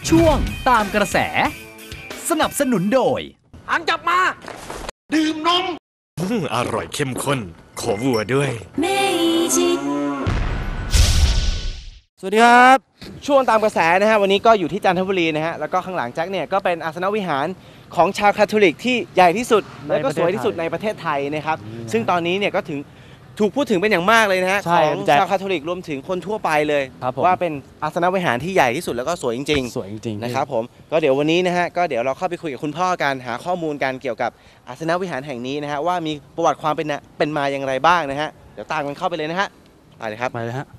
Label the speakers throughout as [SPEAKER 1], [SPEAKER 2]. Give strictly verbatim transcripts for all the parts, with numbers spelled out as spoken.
[SPEAKER 1] ช่วงตามกระแสสนับสนุนโดย
[SPEAKER 2] หางจับมาดื่มนม
[SPEAKER 3] อร่อยเข้มข้นขอวัวด้วย
[SPEAKER 4] สวัสดีครับช่วงตามกระแสนะฮะวันนี้ก็อยู่ที่จันทบุรีนะฮะแล้วก็ข้างหลังแจ็คเนี่ยก็เป็นอาสนวิหารของชาวคาทอลิกที่ใหญ่ที่สุดและก็สวยที่สุดในประเทศไทยนะครับซึ่งตอนนี้เนี่ยก็ถึงถูกพูดถึงเป็นอย่างมากเลยนะฮะของชาวคาทอลิกรวมถึงคนทั่วไปเลยว่าเป็นอาสนวิหารที่ใหญ่ที่สุดแล้วก็สวยจริงๆ
[SPEAKER 5] สวยจริงๆ
[SPEAKER 4] นะครับผมก็เดี๋ยววันนี้นะฮะก็เดี๋ยวเราเข้าไปคุยกับคุณพ่อกันหาข้อมูลกันเกี่ยวกับอาสนวิหารแห่งนี้นะฮะว่ามีประวัติความเป็นเป็นมาอย่างไรบ้างนะฮะเดี๋ยวตามกันเข้าไปเลยนะฮะไปเลยครับ
[SPEAKER 5] ไปเลยฮะ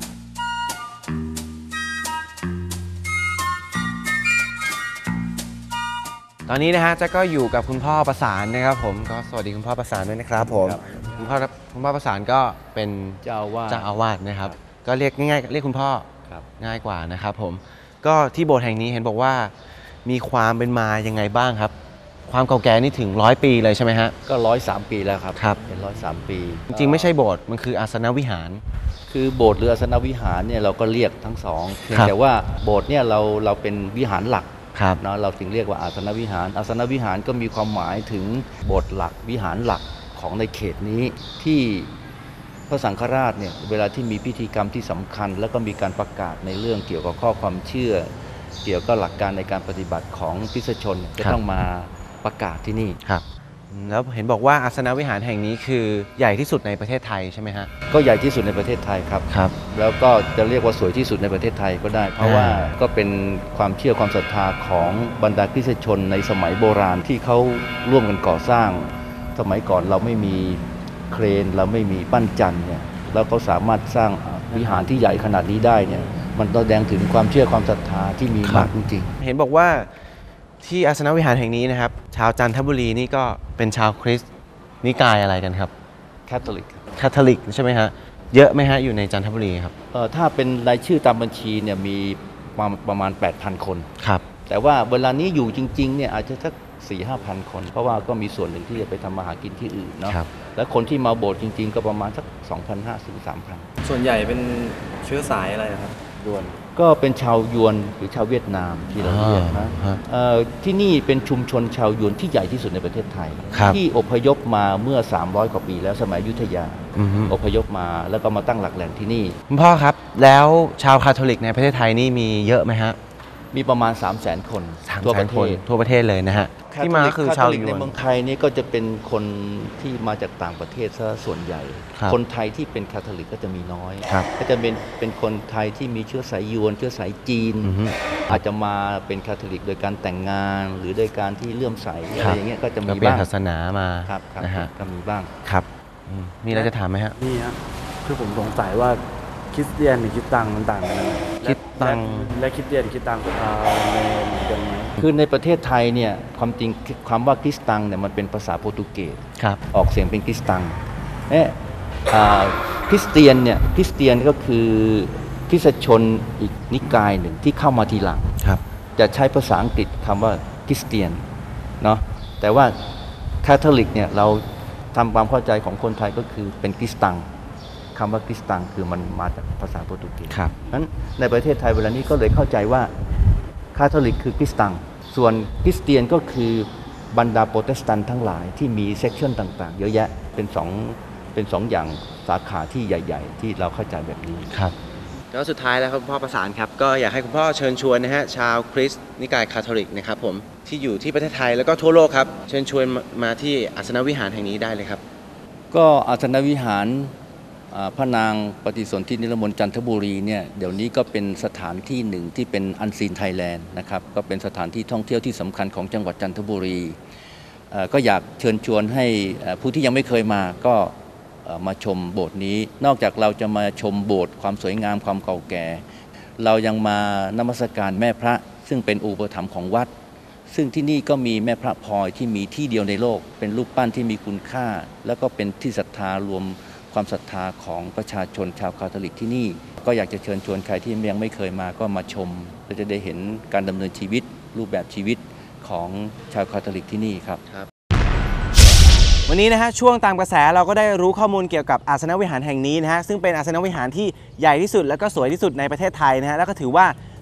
[SPEAKER 4] ตอนนี้นะฮะแจ็คก็อยู่กับคุณพ่อประสานนะครับผมก็สวัสดีคุณพ่อประสานด้วยนะครับผมคุณพ่อคุณพ่อประสานก็เป็น
[SPEAKER 5] เจ้าอาวาส
[SPEAKER 4] เจ้าอาวาสนะครับก็เรียกง่ายๆเรียกคุณพ่อง่ายกว่านะครับผมก็ที่โบสถ์แห่งนี้เห็นบอกว่ามีความเป็นมายังไงบ้างครับความเก่าแก่นี่ถึงร้อยปีเลยใช่ไหมฮะ
[SPEAKER 5] ก็ร้อยสามปีแล้วครับ
[SPEAKER 4] ครับ
[SPEAKER 5] เป็นร้อยสามปี
[SPEAKER 4] จริงๆไม่ใช่โบสถ์มันคืออาสนวิหาร
[SPEAKER 5] คือโบสถ์หรืออาสนวิหารเนี่ยเราก็เรียกทั้งสองเพียงแต่ว่าโบสถ์เนี่ยเราเราเป็นวิหารหลักเนาะเราถึงเรียกว่าอาสนวิหารอาสนวิหารก็มีความหมายถึงโบสถ์หลักวิหารหลักของในเขตนี้ที่พระสังฆราชเนี่ยเวลาที่มีพิธีกรรมที่สำคัญแล้วก็มีการประกาศในเรื่องเกี่ยวกับข้อความเชื่อเกี่ยวกับหลักการในการปฏิบัติของคริสตชนจะต้องมาประกาศที่นี่
[SPEAKER 4] ครับแล้วเห็นบอกว่าอาสนวิหารแห่งนี้คือใหญ่ที่สุดในประเทศไทยใช่ไหมฮะ
[SPEAKER 5] ก็ใหญ่ที่สุดในประเทศไทยครับ
[SPEAKER 4] ครับ
[SPEAKER 5] แล้วก็จะเรียกว่าสวยที่สุดในประเทศไทยก็ได้เพราะว่าก็เป็นความเชื่อความศรัทธาของบรรดาคริสตชนในสมัยโบราณที่เขาร่วมกันก่อสร้างสมัยก่อนเราไม่มีเครนเราไม่มีปั้นจันเนี่ยแล้วเขาสามารถสร้างวิหารที่ใหญ่ขนาดนี้ได้เนี่ยมันแสดงถึงความเชื่อความศรัทธาที่มีมากจริง
[SPEAKER 4] ๆเห็นบอกว่าที่อาสนวิหารแห่งนี้นะครับชาวจันทบุรีนี่ก็เป็นชาวคริสต์นิกายอะไรกันครับ
[SPEAKER 5] คาทอลิก
[SPEAKER 4] คาทอลิกใช่ไหมฮะเยอะไหมฮะอยู่ในจันทบุรีครับ
[SPEAKER 5] เออถ้าเป็นรายชื่อตามบัญชีเนี่ยมีประมาณ แปดพัน คน
[SPEAKER 4] ครับ
[SPEAKER 5] แต่ว่าเวลานี้อยู่จริงๆเนี่ยอาจจะสัก สี่ห้าพัน คนเพราะว่าก็มีส่วนหนึ่งที่จะไปทำมาหากินที่อื่นเนาะแล้วคนที่มาโบสถ์จริงๆก็ประมาณสัก สองพันห้าร้อย ถึง สามพัน
[SPEAKER 6] ส่วนใหญ่เป็นเชื้อสายอะไรครับ
[SPEAKER 5] ยวนก็เป็นชาวยวนหรือชาวเวียดนามที่เราเรียกนะที่นี่เป็นชุมชนชาวยวนที่ใหญ่ที่สุดในประเทศไทยที่อพยพมาเมื่อสามร้อยกว่าปีแล้วสมัยอยุธยาอพยพมาแล้วก็มาตั้งหลักแหล่งที่นี่
[SPEAKER 4] คุณพ่อครับแล้วชาวคาทอลิกในประเทศไทยนี่มีเยอะไหมฮะ
[SPEAKER 5] มีประมาณ สามแสน คน
[SPEAKER 4] ทั่วประเทศทั่วประเทศเลยนะฮะที่มาคือชาวยวน
[SPEAKER 5] ในเมืองไทยนี่ก็จะเป็นคนที่มาจากต่างประเทศซะส่วนใหญ่คนไทยที่เป็นคาทอลิกก็จะมีน้อยก็จะเป็นเป็นคนไทยที่มีเชื้อสายยวนเชื้อสายจีนอาจจะมาเป็นคาทอลิกโดยการแต่งงานหรือโดยการที่เลื่อมใสอะไรอย่างเงี้ยก็จะมีบ้าง
[SPEAKER 4] ศาสนามา
[SPEAKER 5] นะฮะก็มีบ้าง
[SPEAKER 4] ครับมีอะไรจะถามไหมฮะ
[SPEAKER 7] นี่ฮะคือผมสงสัยว่าคริสเตียนหรือคริสตังมันต่างกันยังไง
[SPEAKER 4] คริสตัง
[SPEAKER 7] และคริสเตียนคริสตังอ่าเหมือนกันไหม
[SPEAKER 5] คือในประเทศไทยเนี่ยความจริงความว่าคริสตังเนี่ยมันเป็นภาษาโปรตุเกสออกเสียงเป็นคริสตังเนี่ยคริสเตียนเนี่ยคริสเตียนก็คือคริสตชนอีกนิกายหนึ่งที่เข้ามาทีหลังจะใช้ภาษาอังกฤษคำว่าคริสเตียนเนาะแต่ว่าคาทอลิกเนี่ยเราทำความเข้าใจของคนไทยก็คือเป็นคริสตังคำว่าคริสตังคือมันมาจากภาษาโปรตุเกสนั้นในประเทศไทยเวลานี้ก็เลยเข้าใจว่าคาทอลิกคือคริสตังส่วนคริสเตียนก็คือบรรดาโปรเตสแตนต์ทั้งหลายที่มีเซกชันต่างๆเยอะแยะเป็นสองเป็นสองอย่างสาขาที่ใหญ่ๆที่เราเข้าใจแบบนี้
[SPEAKER 4] ครับแล้วสุดท้ายแล้วครับคุณพ่อประสานครับก็อยากให้คุณพ่อเชิญชวนนะฮะชาวคริสต์นิกายคาทอลิกนะครับผมที่อยู่ที่ประเทศไทยแล้วก็ทั่วโลกครับเชิญชวนมาที่อาสนวิหารแห่งนี้ได้เลยครับ
[SPEAKER 5] ก็อาสนวิหารพระนางปฏิสนธินิรมนต์จันทบุรีเนี่ยเดี๋ยวนี้ก็เป็นสถานที่หนึ่งที่เป็นอันซีนไทยแลนด์นะครับก็เป็นสถานที่ท่องเที่ยวที่สำคัญของจังหวัดจันทบุรีก็อยากเชิญชวนให้ผู้ที่ยังไม่เคยมาก็มาชมโบสถ์นี้นอกจากเราจะมาชมโบสถ์ความสวยงามความเก่าแก่เรายังมานมัสการแม่พระซึ่งเป็นอุปถัมภ์ของวัดซึ่งที่นี่ก็มีแม่พระพลอยที่มีที่เดียวในโลกเป็นรูปปั้นที่มีคุณค่าแล้วก็เป็นที่ศรัทธารวมความศรัทธาของประชาชนชาวคาทอลิกที่นี่ก็อยากจะเชิญชวนใครที่ยังไม่เคยมาก็มาชมและจะได้เห็นการดำเนินชีวิตรูปแบบชีวิตของชาวคาทอลิกที่นี่ครับ
[SPEAKER 4] วันนี้นะฮะช่วงตามกระแสเราก็ได้รู้ข้อมูลเกี่ยวกับอาสนวิหารแห่งนี้นะฮะซึ่งเป็นอาสนวิหารที่ใหญ่ที่สุดและก็สวยที่สุดในประเทศไทยนะฮะแล้วก็ถือว่า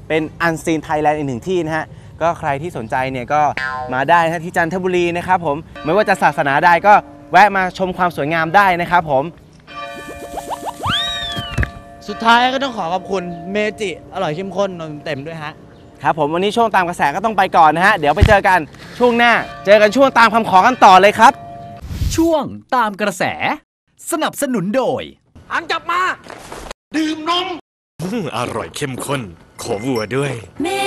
[SPEAKER 4] เป็นอันซีนไทยแลนด์อีกหนึ่งที่นะฮะก็ใครที่สนใจเนี่ยก็มาได้นะที่จันทบุรีนะครับผมไม่ว่าจะศาสนาใดก็แวะมาชมความสวยงามได้นะครับผม
[SPEAKER 8] สุดท้ายก็ต้องขอขอบคุณเมจิอร่อยเข้มข้นนมเต็มด้วยฮะ
[SPEAKER 4] ครับผมวันนี้ช่วงตามกระแสก็ต้องไปก่อนนะฮะเดี๋ยวไปเจอกันช่วงหน้าเจอกันช่วงตามคำขอกันต่อเลยครับ
[SPEAKER 1] ช่วงตามกระแสสนับสนุนโดย
[SPEAKER 2] อันจับมา ดื่มนม
[SPEAKER 3] อืมอร่อยเข้มข้นขอวัวด้วย
[SPEAKER 9] เม